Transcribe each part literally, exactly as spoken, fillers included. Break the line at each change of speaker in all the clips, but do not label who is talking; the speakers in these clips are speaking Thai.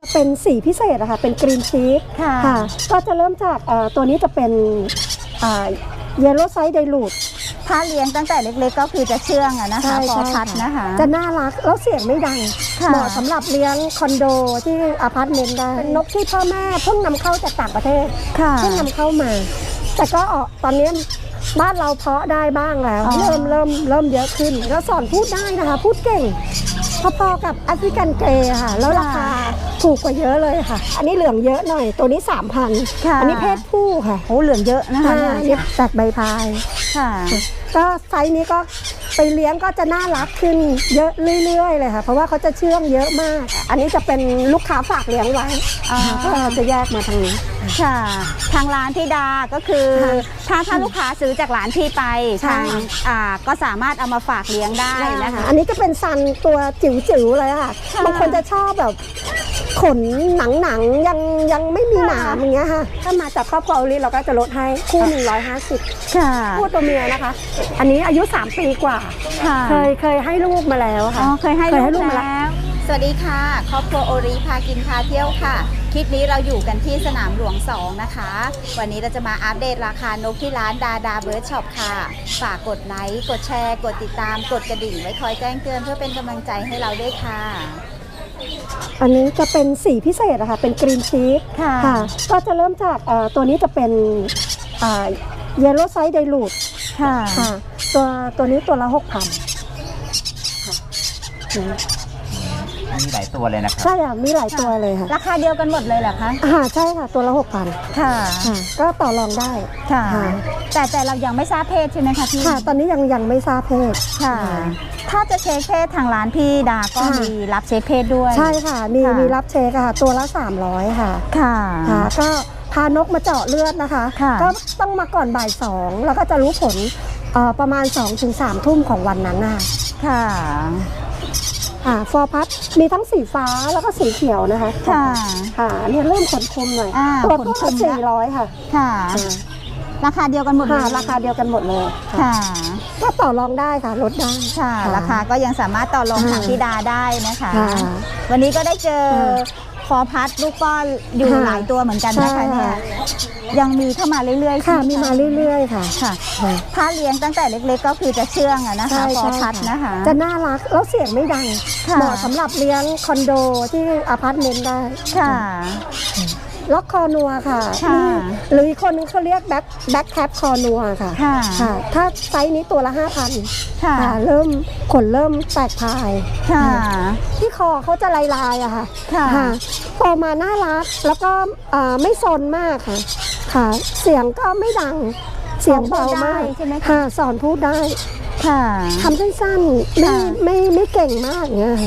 เป็นสีพิเศษอะค่ะเป็นกรีนชีสค่ะก็จะเริ่มจากตัวนี้จะเป็นเยลโล่ไซส์ไดรูท
ถ้าเลี้ยงตั้งแต่เล็กๆก็คือจะเชื่องอะนะคะพอพัดนะคะ
จะน่ารักแล้วเสียงไม่ดังเหมาะสำหรับเลี้ยงคอนโดที่อพาร์ตเมนต์ได้นกที่พ่อแม่เพิ่งนำเข้าจากต่างประเทศเพิ่งนำเข้ามาแต่ก็ออกตอนนี้บ้านเราเพาะได้บ้างแล้วเริ่มเริ่มเริ่มเยอะขึ้นแล้วสอนพูดได้นะคะพูดเก่งพอๆกับแอฟริกันเกรย์ค่ะแล้วราคาถูกกว่าเยอะเลยค่ะอันนี้เหลืองเยอะหน่อยตัวนี้ สามพัน อันนี้เพศผู้ค่ะ
โอ้เหลืองเยอะนะคะ
นี่ตัดใบพายค่ะก็ไซส์นี้ก็ไปเลี้ยงก็จะน่ารักขึ้นเยอะเรื่อยๆเลยค่ะเพราะว่าเขาจะเชื่องเยอะมากอันนี้จะเป็นลูกค้าฝากเลี้ยงไว้ก็จะแยกมาทางนี้
ค่ะทางร้านที่ดาก็คือถ้าถ้าลูกค้าซื้อจากร้านที่ไปทางอ่าก็สามารถเอามาฝากเลี้ยงได้นะคะ
อันนี้ก็เป็นซันตัวจิ๋วๆเลยค่ะบางคนจะชอบแบบขนหนังๆยังยังไม่มีหนามอย่างเงี้ยค่ะถ้ามาจากครอบครัวลิเราก็จะลดให้คู่หนึ่งร้อยห้าสิบค่ะคู่ตัวเมียนะคะอันนี้อายุสามปีกว่าเคยเคยให้ลูกมาแล้วค่ะ
เคยให้ลูกมาแล้วสวัสดีค่ะครอบครัวโอริพากินพาเที่ยวค่ะคลิปนี้เราอยู่กันที่สนามหลวงสองนะคะวันนี้เราจะมาอัปเดตราคานกที่ร้านดาดาเบิร์ดช็อปค่ะฝากกดไลค์กดแชร์กดติดตามกดกระดิ่งไว้คอยแจ้งเตือนเพื่อเป็นกำลังใจให้เราด้วยค่ะ
อันนี้จะเป็นสีพิเศษอะค่ะเป็นกรีนชีสค่ะก็จะเริ่มจากตัวนี้จะเป็นเยลโล่ไซส์ไดรูทค่ะตัวตัวนี้ตัวละหกพัน
มีหลายตัวเลยนะครับ
ใช่ค่ะมีหลายตัวเลยค่ะ
ราคาเดียวกันหมดเลยเหรอคะ
อ่าใช่ค่ะตัวละหกพันค่ะก็ต่อรองได้
ค่ะแต่แต่เรายังไม่ทราบเพศใช่ไหมคะพี่
ค่ะตอนนี้ยังยังไม่ทราบเพศ
ค่ะถ้าจะเช็คเพศทางร้านพี่ดาก็มีรับเช็คเพศด้วย
ใช่ค่ะมีมีรับเช็คค่ะตัวละสามร้อยค่ะค่ะก็พานกมาเจาะเลือดนะคะก็ต้องมาก่อนบ่ายสองแล้วก็จะรู้ผลประมาณ สองถึงสาม ทุ่มของวันนั้นน่ะค่ะค่ะฟอร์พัดมีทั้งสีฟ้าแล้วก็สีเขียวนะคะค่ะค่ะเนี่ยเริ่มขนคมหน่อยตัวต้นละสี่ร้อยค่ะค่ะ
ราคาเดียวกันหมดเลย
ราคาเดียวกันหมดเลยค่ะก็ต่อรองได้ค่ะลดได้
ค่ะราคาก็ยังสามารถต่อรองทางพี่ดาได้นะคะวันนี้ก็ได้เจอฟอร์พัดลูกป้อนอยู่หลายตัวเหมือนกันนะคะเนี่ยยังมีเข้ามาเรื่อย
ๆค่ะมีมาเรื่อยๆค่ะ
ค่ะถ้าเลี้ยงตั้งแต่เล็กๆก็คือจะเชื่องอะนะคะฟอร์พัดนะคะ
จะน่ารักแล้วเสียงไม่ดังเหมาะสำหรับเลี้ยงคอนโดที่อพาร์ตเมนต์ได้ค่ะล็อกคอนัวค่ะหรืออีกคนนึงเขาเรียกแบ็คแบ็คแคปคอนัวค่ะค่ะถ้าไซส์นี้ตัวละห้าพันค่ะเริ่มขนเริ่มแตกพายค่ะที่คอเขาจะลายลายอะค่ะค่ะพอมาน่ารักแล้วก็ไม่ซนมากค่ะค่ะเสียงก็ไม่ดังเสียงเบามากค่ะสอนพูดได้ค่ะทำสั้นๆไม่ไม่ไม่เก่งมากเงี้ย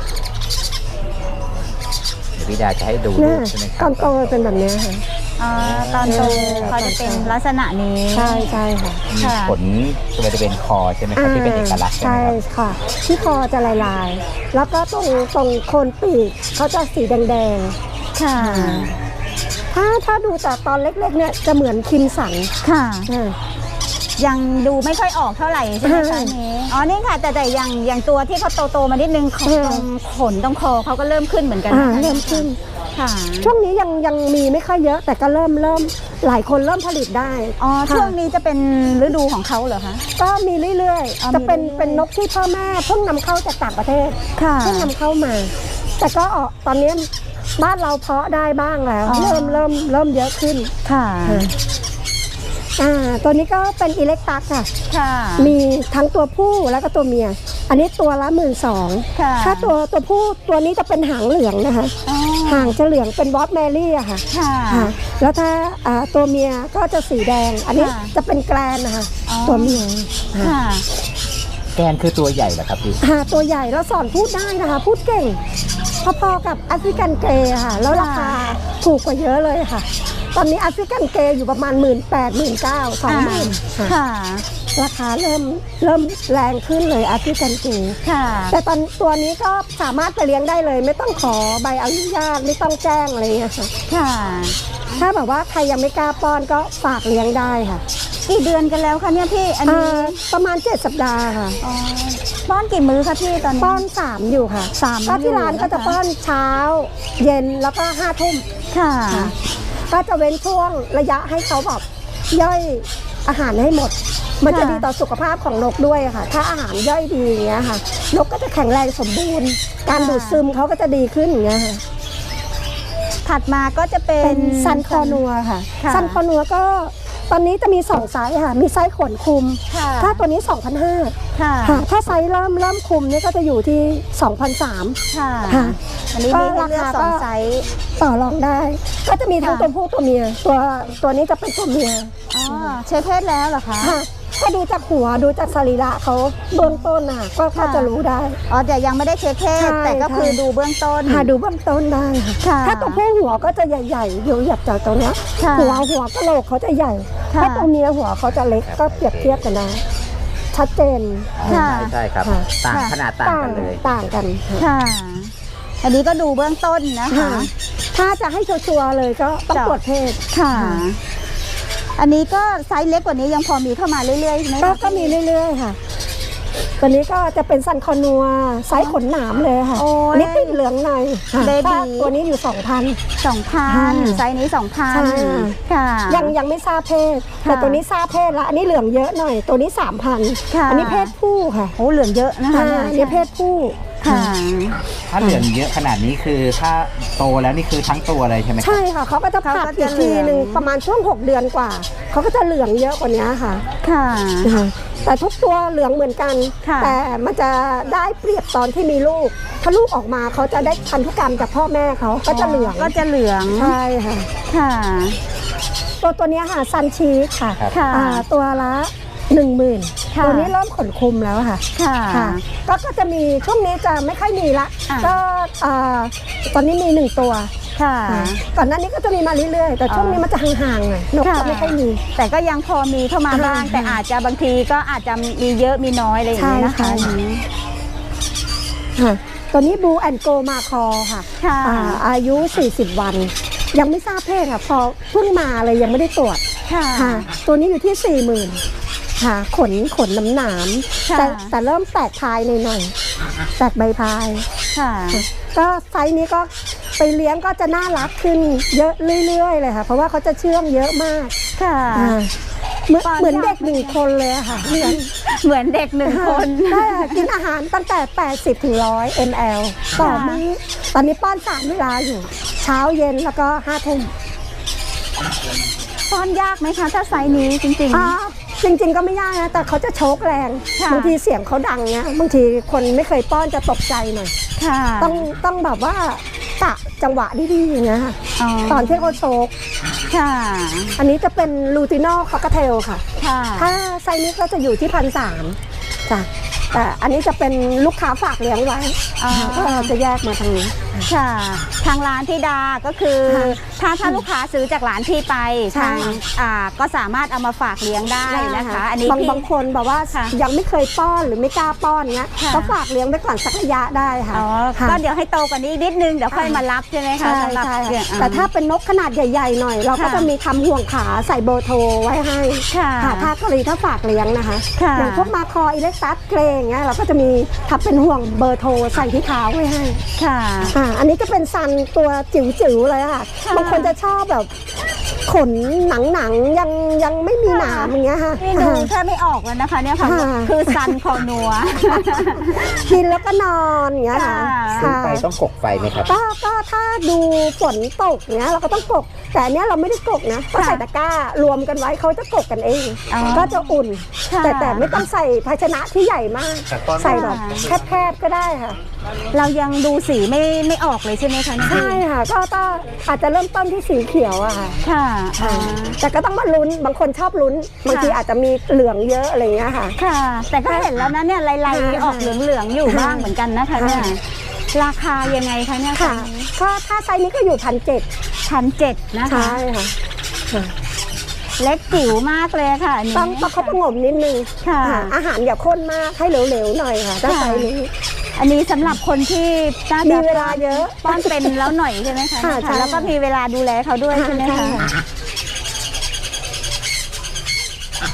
พี่ดาจะให้ดูใช่ไหมครับ
ตอนโตเป็นแบบนี้ค่ะ
ตอนโตเขาจะเป็นลักษณะนี้
ใช่ใช่ค่ะ
ขนบริเวณคอใช่ไหมครับที่เป็นเอกลักษณ์ใช่ไหม
ค่ะที่คอจะลายลายแล้วก็ตรงตรงโคนปีกเขาจะสีแดงๆค่ะถ้าถ้าดูแต่ตอนเล็กๆเนี่ยจะเหมือนคิมสันค่ะ
ยังดูไม่ค่อยออกเท่าไหร่ใช่ไหมคะนี้อ๋อนี่ค่ะแต่แต่อย่างอย่างตัวที่เขาโตๆมานิดนึงตรงขนตรงคอเขาก็เริ่มขึ้นเหมือนกัน
เริ่มขึ้นค่ะช่วงนี้ยังยังมีไม่ค่อยเยอะแต่ก็เริ่มเริ่มหลายคนเริ่มผลิตได้
อ๋อช่วงนี้จะเป็นฤดูของเขาเหรอคะ
ก็มีเรื่อยๆจะเป็นเป็นนกที่พ่อแม่เพิ่งนำเข้าจากต่างประเทศเพิ่งนำเข้ามาแต่ก็ออกตอนนี้บ้านเราเพาะได้บ้างแล้วเริ่มเริ่มเริ่มเยอะขึ้นค่ะอ่าตัวนี้ก็เป็นอิเล็กตัสค่ะค่ะมีทั้งตัวผู้แล้วก็ตัวเมียอันนี้ตัวละหมื่นสองถ้าตัวตัวผู้ตัวนี้จะเป็นหางเหลืองนะคะหางจะเหลืองเป็นวอตแมรี่อะค่ะค่ะแล้วถ้าอ่าตัวเมียก็จะสีแดงอันนี้จะเป็นแกรนนะคะตัวเมียค่ะ
แกนคือตัวใหญ่เหรอครับพี่
ค่ะตัวใหญ่แล้วสอนพูดได้นะคะพูดเก่งพอๆกับแอฟริกันเกรย์ค่ะแล้วราคาถูกกว่าเยอะเลยค่ะตอนนี้แอฟริกันเกรย์อยู่ประมาณ หนึ่งหมื่นแปดพัน หนึ่งหมื่นเก้าพัน สองหมื่น ค่ะราคาเริ่มเริ่มแรงขึ้นเลยแอฟริกันเกรย์ค่ะแต่ตอนตัวนี้ก็สามารถไปเลี้ยงได้เลยไม่ต้องขอใบอนุญาตไม่ต้องแจ้งอะไรเงี้ยค่ะค่ะถ้าแบบว่าใครยังไม่กล้าป้อนก็ฝากเลี้ยงได้ค่ะ
กี่เดือนกันแล้วคะเนี่ยพี่อัน
อ่
นี้
าประมาณเจ็ดสัปดาห์ค่ะ
อ๋อป้อนกี่มื้อคะพี่ตอนนี้
ป้อนสามอยู่ค่ะ
สาม
ก็ที่ร้าน
อยู่นะคะ
ก็จะป้อนเช้า เย็นแล้วก็ห้าทุ่ม
ค่ะ
ค่ะก็จะเว้นช่วงระยะให้เขาแบบย่อยอาหารให้หมด มันจะ
ค่ะ
ดีต่อสุขภาพของนกด้วยค่ะ ถ้าอาหารย่อยดีอย่างเงี้ยค่ะ นกก็จะแข็งแรงสมบูรณ์ การดูดซึมเขาก็จะดีขึ้นอย่างเงี้ยค่ะ
ถัดมาก็จะเป็
เป็น นซันคอนัวค่ะ
ค่ะ
ซันคอนัวก็ตอนนี้จะมีสองไซส์ค่ะ มีไซส์ขนคุม
ค่ะ
ถ้าตัวนี้ สองพันห้าร้อย
ค่ะ
ค่ะ ถ้าไซส์เริ่มเริ่มคุมนี่ก็จะอยู่ที่ สองพันสามร้อย
ค่ะ
ค่ะ
อันนี้มีให้เลือกสองไซส์
ต่อรองได้ ก็จะมีทั้ง
ค่ะ
ตัวผู้ตัวเมีย ตัวตัวนี้จะเป็นตัวเมีย
อ๋อเช็คเพศแล้วเหรอคะ
ค่ะถ้าดูจากหัวดูจากสรีระเขาเบื้องต้นน่ะก็
ค่ะ
ก็จะรู้ได้
อ๋อแต่ยังไม่ได้เช็คเพศ
ใช่
แต่ก็คือ
ใช่
ดูเบื้องต้น
หาดูเบื้องต้นได้ค่ะ
ค่ะ
ถ้าตัวผู้หัวก็จะใหญ่ๆอยู่หยับจากตรงเนี้ย
ค่ะ
หัวหัวกะโหลกเขาจะใหญ่
ค่ะ
ถ้าตัวเมียหัวเขาจะเล็กก็เปรียบเทียบกันได้ชัดเจน
ค่ะ
ใช่ใช่ครับ
ค่ะ
ต่าง
ค่ะ
ขนาดต่างกันเลย
ต่างกันค่ะ
ค่ะ อันนี้ก็ดูเบื้องต้นนะคะ
ค่ะถ้าจะให้ชัวร์ๆเลยก็ต้อง
จ้ะ
ตรวจเพศ
ค่ะ
ค่ะ
อันนี้ก็ไซส์เล็กกว่านี้ยังพอมีเข้ามาเรื่อยๆใช่ไหม
ก็
คะ
ก็มีเรื่อยๆค่ะ ตัวนี้ก็จะเป็นซันคอนัวไซส์ขนหนามเลยค่ะ
โอ้ย
อันนี่ติดเหลืองในค่ะ
เบบี
ถ้าตัวนี้อยู่สองพัน
สองพัน
ค่ะ
ไซส์นี้สองพัน
ใช่
ค่ะ
ยังยังไม่ทราบเพศ
ค่ะ
แต่ตัวนี้ทราบเพศแล้วอันนี้เหลืองเยอะหน่อย ตัวนี้สามพัน
ค่ะ
อันี้เพศผู้ค่ะ
โอ้เหลืองเยอะนะคะ
อ่าอันนี้เพศผู้
ค่ะ
ถ้าเหลืองเยอะขนาดนี้คือถ้าโตแล้วนี่คือทั้งตัวเลยใช่ไหมครับ
ใช่ค่ะเขาก็จะ
เขา
ผั
ก็
ด
จะ
อีกทีหนึ่ง
เหลือง
ประมาณช่วงหกเดือนกว่าเขาก็จะเหลืองเยอะกว่านี้ค่ะ
ค่ะ
นะคะแต่ทุกตัวเหลืองเหมือนกัน
ค่ะ
แต่มันจะได้เปรียบตอนที่มีลูก ถ้าลูกออกมาเขาจะได้พันธุกรรมจากพ่อแม่เขาก็จะเหลือง
ก็จะเหลือง
ใช่ค่ะ
ค่ะ
ตัวตัวเนี้ยค่ะซันชีสค่ะ
ครับ
ค่ะ
อ่าตัวละหนึ่งหมื่น
ค่ะ
ตัวนี้เริ่มขนคุมแล้วค่ะ
ค่ะ
ค่ะก็ก็จะมีช่วงนี้จะไม่ค่อยมีละ
อ่ะ
ก็อ่าตอนนี้มีหนึ่งตัว
ค่ะ
ค่ะก่อนหน้านี้ก็จะมีมาเรื่อยๆ แต่ช่วงนี้มันจะห่างๆหน่อยนก
ค่ะ
จะไม่ค่อยมี
แต่ก็ยังพอมีเข้ามาบ้าง
อ่า
แต่อาจจะบางทีก็อาจจะมีเยอะมีน้อยอะไรอย่างนี้นะคะ
ใช่
อัน
ค่ะ
นี้
ค่ะตัวนี้บูแอนโกมาคอค่ะ
ค่ะ
อ่าอายุ สี่สิบ วัน ยังไม่ทราบเพศค่ะ พอเพิ่งมาเลยยังไม่ได้ตรวจ
ค่ะ
ค่ะ ตัวนี้อยู่ที่ สี่หมื่น ค่ะขนขนน้ำหนาม
ค่ะ
แต่แต่เริ่มแตกพายหน่อยๆแตกใบพาย
ค่ะ
ก็ไซส์นี้ก็ไปเลี้ยงก็จะน่ารักขึ้นเยอะเรื่อยๆเลยค่ะ เพราะว่าเขาจะเชื่องเยอะมาก
ค่ะ
อ่าเหมือน
ป้อน
เหมือน
ยาก
เด็กหนึ่งคนเลยอะค่ะเลี้ยง
เหมือนเด็กหนึ่งคน
ใช่ค่ะกินอาหารตั้งแต่ แปดสิบถึงหนึ่งร้อย มล ต่อ
ค่ะ
มื้อตอนนี้ป้อนสามเวลาอยู่ เช้าเย็นแล้วก็ห้าทุ่ม
ป้อนยากไหมคะ ถ้าไซส์นี้จริง
อ่าจริงๆก็ไม่ยากนะแต่เขาจะโชกแรง
ค่ะ
บางทีเสียงเขาดังเนี้ยบางทีคนไม่เคยป้อนจะตกใจหน่อย
ๆ ค่ะ
ต้องต้องแบบว่ากะจังหวะดีๆอย่างเงี้ยค่ะ
อ๋อ
ตอนที่เขาโชก
ค่ะ
อันนี้จะเป็นลูตินอลคอกเทลค่ะ
ค่ะ
ถ้าไซส์นี้ก็จะอยู่ที่พันสามจ้ะแต่อันนี้จะเป็นลูกค้าฝากเลี้ยงไว้
อ๋อ
ก็จะแยกมาทางนี้
ค่ะ ทางร้านที่ดาก็คือ
ค่ะ
ถ้าถ้าลูกค้าซื้อจากร้านที่ไป
ใช่
ทางอ่าก็สามารถเอามาฝากเลี้ยงได้นะคะ อันนี้
บาง
พี่
บางคนบอกว่า
ค่ะ
ยังไม่เคยป้อนหรือไม่กล้าป้อนเงี้ย
ค่ะ
ก็ฝากเลี้ยงไปก่อนสักระยะได้ค่ะ
อ๋อ
ค่ะ
ก็เดี๋ยวให้โตกว่านี้อีกนิดนึงเดี๋ยวค่อยมารับใช่ไหมคะ
ใช่
สำหรับ
ใช่
เนี่ย
แต่ถ้าเป็นนกขนาดใหญ่ๆหน่อย เราก็
ค่ะ
จะมีทำห่วงขาใส่เบอร์โทรไว้ให้
ค่ะ
ค่ะถ้ากรณีถ้าฝากเลี้ยงนะคะ
ค่ะ
อย่างพวกมาคออิเล็กซัสเกรอย่างเงี้ยเราก็จะมีทำเป็นห่วงเบอร์โทรใส่ที่เท้าไว้ให้
ค่ะ
อ่าอันนี้จะเป็นซันตัวจิ๋วๆเลยค่ะ
ค่ะ
บางคนจะชอบแบบขนหนังๆยังยังไม่มีหนามอย่างเงี้ยค่ะ
นี่ดูแค่ไม่ออกแล้วนะคะเนี่ยค่ะ
ค่ะ
คือซันคอนัว
กินแล้วก็นอนอย่างเงี้ยค่ะ
ซื้อ
ค่ะ
ไปต้องกกไฟไหมครับ
ก็ก็ถ้าดูฝนตกเนี้ยเราก็ต้องกก แต่อันเนี้ยเราไม่ได้กกนะก็ใส่ตะกร้ารวมกันไว้เขาจะกกกันเอง
อ๋อ
ก็จะอุ่น
ค่ะ
แต่แต่ไม่ต้องใส่ภาชนะที่ใหญ่มาก
แต่ตอน
ใส่แบบแคบๆก็ได้ค่ะ
เรายังดูสีไม่ไม่ออกเลยใช่ไหมคะเนี่ย
ใช่ค่ะก็ก็อาจจะเริ่มต้นที่สีเขียวอะค่ะ
ค่ะ
ค่ะแต่ก็ต้องมาลุ้นบางคนชอบลุ้น บางทีอาจจะมีเหลืองเยอะอะไรอย่างเงี้ยค่ะ
ค่ะ แต่ก็เห็นแล้วนะเนี่ยลาย
ค่ะ
ๆออกเหลืองๆอยู่บ้างเหมือนกันนะคะเนี่ย
ค่ะ
ราคายังไงคะเนี่ย
ค่ะก็ถ้าไซส์นี้ก็อยู่พันเจ็ด
พันเจ็ดนะคะ
ใช่ค่ะค่ะ
เล็กจิ๋วมากเลยค่ะอันนี้
ต้องประคบประหงมนิดนึง
ค่ะ
ค่ะอาหารอย่าข้นมากให้เหลวๆหน่อยค่ะถ้าไซส์นี้
อันนี้สำหรับคนที่น่าจะ
มีเวลาเยอะ
ป้อนเป็นแล้วหน่อยใช่ไหมคะ
ค่ะใช่
แล้วก็มีเวลาดูแลเขาด้วยใช่ไหมคะ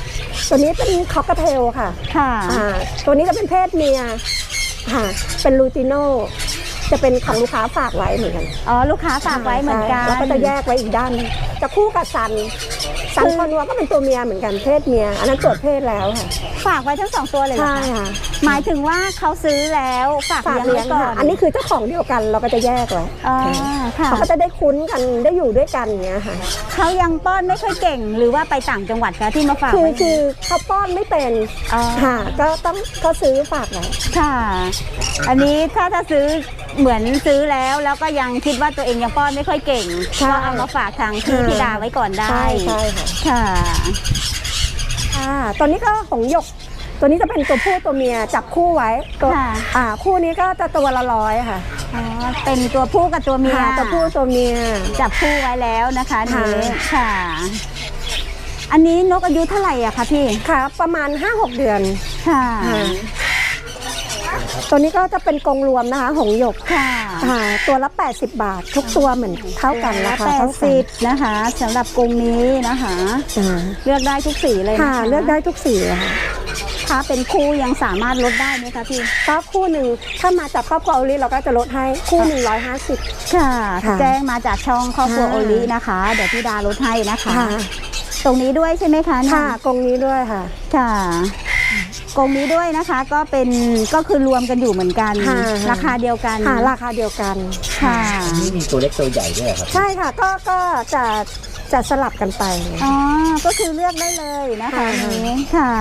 ตัวนี้เป็นคอกเทลค่ะ
ค่ะ
อ่าตัวนี้จะเป็นเพศเมียค่ะเป็นลูติโนจะเป็นของลูกค้าฝากไว้เหมือนกัน
อ๋อลูกค้าฝากไว้เหมือนกัน
แล้วก็จะแยกไว้อีกด้านจะคู่กับซันซันคอนัวก็เป็นตัวเมียเหมือนกันเพศเมียอันนั้นตรวจเพศแล้วค่ะ
ฝากไว้ทั้งสองตัวเลยเหรอ
ใช่
คะ
ค่ะ
หมายถึงว่าเขาซื้อแล้วฝาก
ฝาก
เลี้
เลี้
ย
ย
ง
ง
ไว้ก่อ
ค่ะ
น
อันนี้คือเจ้าของเดียวกันเราก็จะแยกไว้
อ๋อค่ะ
เขาก็จะได้คุ้นกันได้อยู่ด้วยกันอย่างเงี้ยค่ะ
เขายังป้อนไม่ค่อยเก่งหรือว่าไปต่างจังหวัดคะที่มาฝาก
คือ
ไว้
คือเขาป้อนไม่เป็น
อ๋อ
ค่ะก็ต้องเขาซื้อฝากไว้
ค่ะ อันนี้ถ้าถ้าซื้อเหมือนซื้อแล้วแล้วก็ยังคิดว่าตัวเองยังป้อนไม่ค่อยเก่งก็เอามาฝากทางพี่ธิดาไว้ก่อนได้
ใช่ใช่ค่ะ
ค่ะ
อ่าตัวนี้ก็ของหยก ตัวนี้จะเป็นตัวผู้ตัวเมียจับคู่ไว้ตัว
ค่ะ
อ่าคู่นี้ก็จะตัวละร้อยค่ะ
อ๋อเป็นตัวผู้กับตัวเมีย
ค่ะตัวผู้ตัวเมีย
จับคู่ไว้แล้วนะคะ
ค่ะ
นี้ค่ะ อันนี้นกอายุเท่าไหร่อะคะพี่
ค่ะประมาณ ห้าหก เดือน
ค่ะ
ค่ะตัวนี้ก็จะเป็นกรงรวมนะคะหงส์หยก
ค่ะ
ค่ะตัวละ แปดสิบบาท ทุกตัวเหมือนเท่ากันราคา
แป
เท่า
ด
กั
สิ
น
บนะคะสำหรับกรงนี้นะคะ
อ่า
เลือกได้ทุกสีเลยนะ
ค่ะ
คะ
เลือกได้ทุกสีอะค่ะ
ถ้าเป็นคู่ยังสามารถลดได้ไหมคะพี่
ก็คู่หนึ่งถ้ามาจากครอบครัวโอลิเราก็จะลดให้คู่หนึ่งร้อยห้าสิบ
ค่ะ
ค่ะ
แจ้งมาจากช่องครอบครัว
ค่ะ
โอลินะคะ เดี๋ยวพี่ดาลดให้นะคะ
ค่ะ
ตรงนี้ด้วยใช่ไหมคะเนี่ย
ค่ะกรงนี้ด้วยค่ะ
ค่ะกรงนี้ด้วยนะคะ ก็เป็นก็คือรวมกันอยู่เหมือนกัน
ค่ะ
ราคาเดียวกัน
ค่ะราคาเดียวกัน
ค่ะ
นี่มีตัวเล็กตัวใหญ่ด้วยเหรอครับ
ใช่ค่ะก็ก็จะจะสลับกันไป
อ๋อก็คือเลือกได้เลยนะคะ
ค่ะ
อันนี้ค่ะ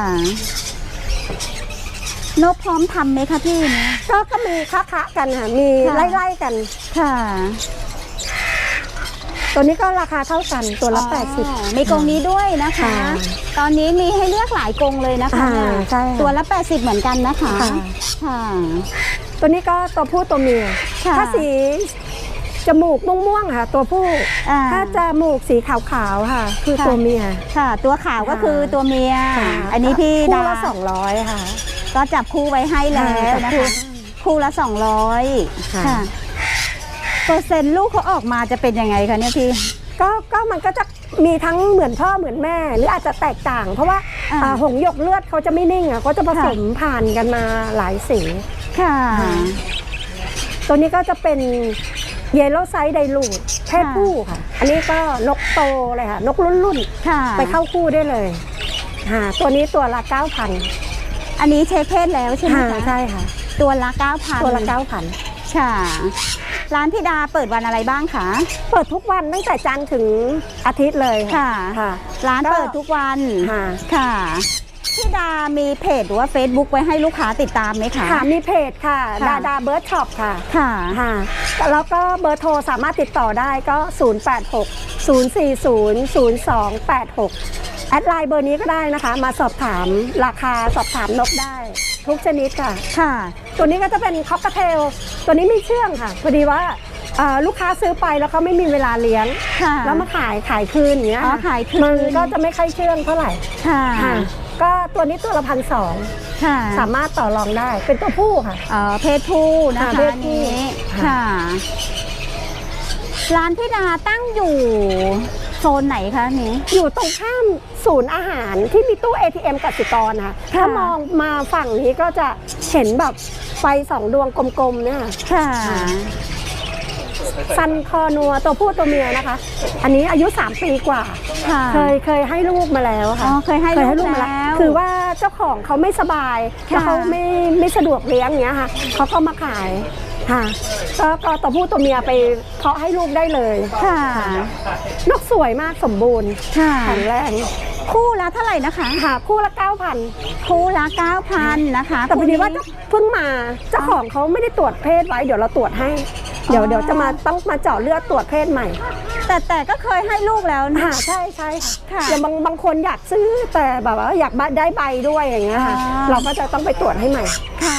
นกพร้อมทำไหมคะพี่เนี่ย
ก็ก็มีค้าคะกันค่ะมี
ค่ะ
ไล่ๆกัน
ค่ะ
ตัวนี้ก็ราคาเท่ากันตัวละแปดสิบ
อ๋อมีกรงนี้ด้วยนะคะ
ค่ะ
ตอนนี้มีให้เลือกหลายกรงเลยนะคะ
อ่า
เนี่ย
ใช่ค่ะ
ตัวละแปดสิบเหมือนกันนะคะ
ค่ะ
ค่ะ
ตัวนี้ก็ตัวผู้ตัวเมีย
ค่ะ
ถ้าสีจมูกม่วงๆค่ะ ตัวผู้
อ่า
ถ้าจมูกสีขาวๆค่ะ คือ
ค่ะ
ตัวเมีย
ค่ะ ตัวขาวก็คือตัวเมีย
ค่ะ
อันนี้พี่
คู่
ดา
ละสองร้อยค่ะ
ก็จับคู่ไว้ให้แล้ว
จับ
นะ
คู่
คะ คู่ละสองร้อย
ค่ะ
ค่ะเปอร์เซ็นต์ลูกเขาออกมาจะเป็นยังไงคะเนี่ยพี่
ก็ก็มันก็จะมีทั้งเหมือนพ่อเหมือนแม่ หรืออาจจะแตกต่าง เพราะว่า
อ่า
อ่าหงส์หยกเลือดเขาจะไม่นิ่งอ่ะเขาจะผสมผ่านกันมาหลายสี
ค่ะ
ค่ะ ตัวนี้ก็จะเป็นเยลโล่ไซด์ไดรูดเพศผู้ค่ะ อันนี้ก็นกโตเลยค่ะ นกรุ่นรุ่นๆ
ค่ะ
ไปเข้าคู่ได้เลยค่ะตัวนี้ตัวละเก้าพัน
อันนี้เช็คเพศแล้วใช่ไหม
ค่ะ
คะ
ใช่ค่ะ
ตัวละเก้าพัน
ตัวละเก้าพัน
ค่ะ ร้านพี่ดาเปิดวันอะไรบ้างคะ
เปิดทุกวันตั้งแต่จันทร์ถึงอาทิตย์เลย
ค่ะ
ค่ะ
ร้าน
ก็
เปิดทุกวัน
ค่ะ
ค่ะพี่ดามีเพจหรือว่า Facebook ไว้ให้ลูกค้าติดตามไหมคะ
ค่ะมีเพจค่ะ
ค่ะ
ดาดาเบิร์ดช็อปค่ะ
ค่ะ
ค่ะแล้วก็เบอร์โทรสามารถติดต่อได้ก็ ศูนย์ แปด หก ศูนย์ สี่ ศูนย์ ศูนย์ สอง แปด หก แอดไลน์เบอร์นี้ก็ได้นะคะ มาสอบถามราคาสอบถามนกได้ ทุกชนิดค่ะ
ค่ะ
ตัวนี้ก็จะเป็นคอกเทลตัวนี้ไม่เชื่องค่ะพอดีว่าเอ่อลูกค้าซื้อไปแล้วเขาไม่มีเวลาเลี้ยง
ค่ะ
แล้วมาขายขายคืนอย่างเงี้ย
อ๋อ
ค่ะ
ขายคืน
มันก็จะไม่ค่อยเชื่องเท่าไหร่
ค่ะ
ค่ะก็ตัวนี้ตัวละพันสอง
ค่ะ
สามารถต่อรองได้เป็นตัวผู้ค่ะ
เอ่อเพศผู้นะคะ
ค่ะเพศ
อัน
ผู้
นี้
ค่ะ
ค่ะ ร้านพี่ดาตั้งอยู่โซนไหนคะนี้
อยู่ตรงข้ามศูนย์อาหารที่มีตู้ เอ ที เอ็ม กสิกรค่ะถ้ามองมาฝั่งนี้ก็จะเห็นแบบไฟสองดวงกลมๆเนี่ยค่ะ
ค่ะ
ซันคอนัวตัวผู้ตัวเมียนะคะ อันนี้อายุสามปีกว่า
ค่ะ
เคยเคยให้ลูกมาแล้วค่ะ
อ๋อเคยให้ลูก
มา
แล้ว
คือว่าเจ้าของเขาไม่สบาย
ค่ะ
แล้วเขาไม่ไม่สะดวกเลี้ยงอย่างเงี้ยค่ะเขาก็มาขายค่ะก็ก็ตัวผู้ตัวเมียไปเพาะให้ลูกได้เลย
ค่ะ
นกสวยมากสมบูรณ์
ค่ะ
แข็งแรง
คู่ละเท่าไหร่นะคะ
หาคู่ละเก้าพัน
คู่ละเก้าพันนะคะ
แต่พอดีว่า
คู่นี้
เพิ่งมาเจ้าของเขาไม่ได้ตรวจเพศไว้เดี๋ยวเราตรวจให้ เดี๋ยว
อ๋อ
เดี๋ยวจะมาต้องมาเจาะเลือดตรวจเพศใหม่
แต่แต่ก็เคยให้ลูกแล้วนะ
ค่ะใช่ใช่ค่ะ
ค่ะ
อย่างบางบางคนอยากซื้อแต่แบบว่าอยากได้ใบด้วยอย่างเงี้ยค่ะ
อ๋อ
เราก็จะต้องไปตรวจให้ใหม่
ค่ะ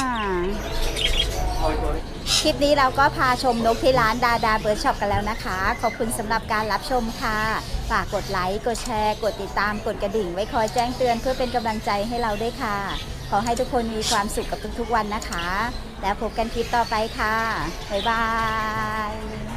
คลิปนี้เราก็พาชมนกที่ร้านดาดาเบิร์ดช็อปกันแล้วนะคะ ขอบคุณสำหรับการรับชมค่ะ ฝากกดไลค์ กดแชร์ กดติดตาม กดกระดิ่ง ไว้คอยแจ้งเตือนเพื่อเป็นกำลังใจให้เราด้วยค่ะ ขอให้ทุกคนมีความสุขกับทุกๆวันนะคะ แล้วพบกันคลิปต่อไปค่ะ บ๊ายบาย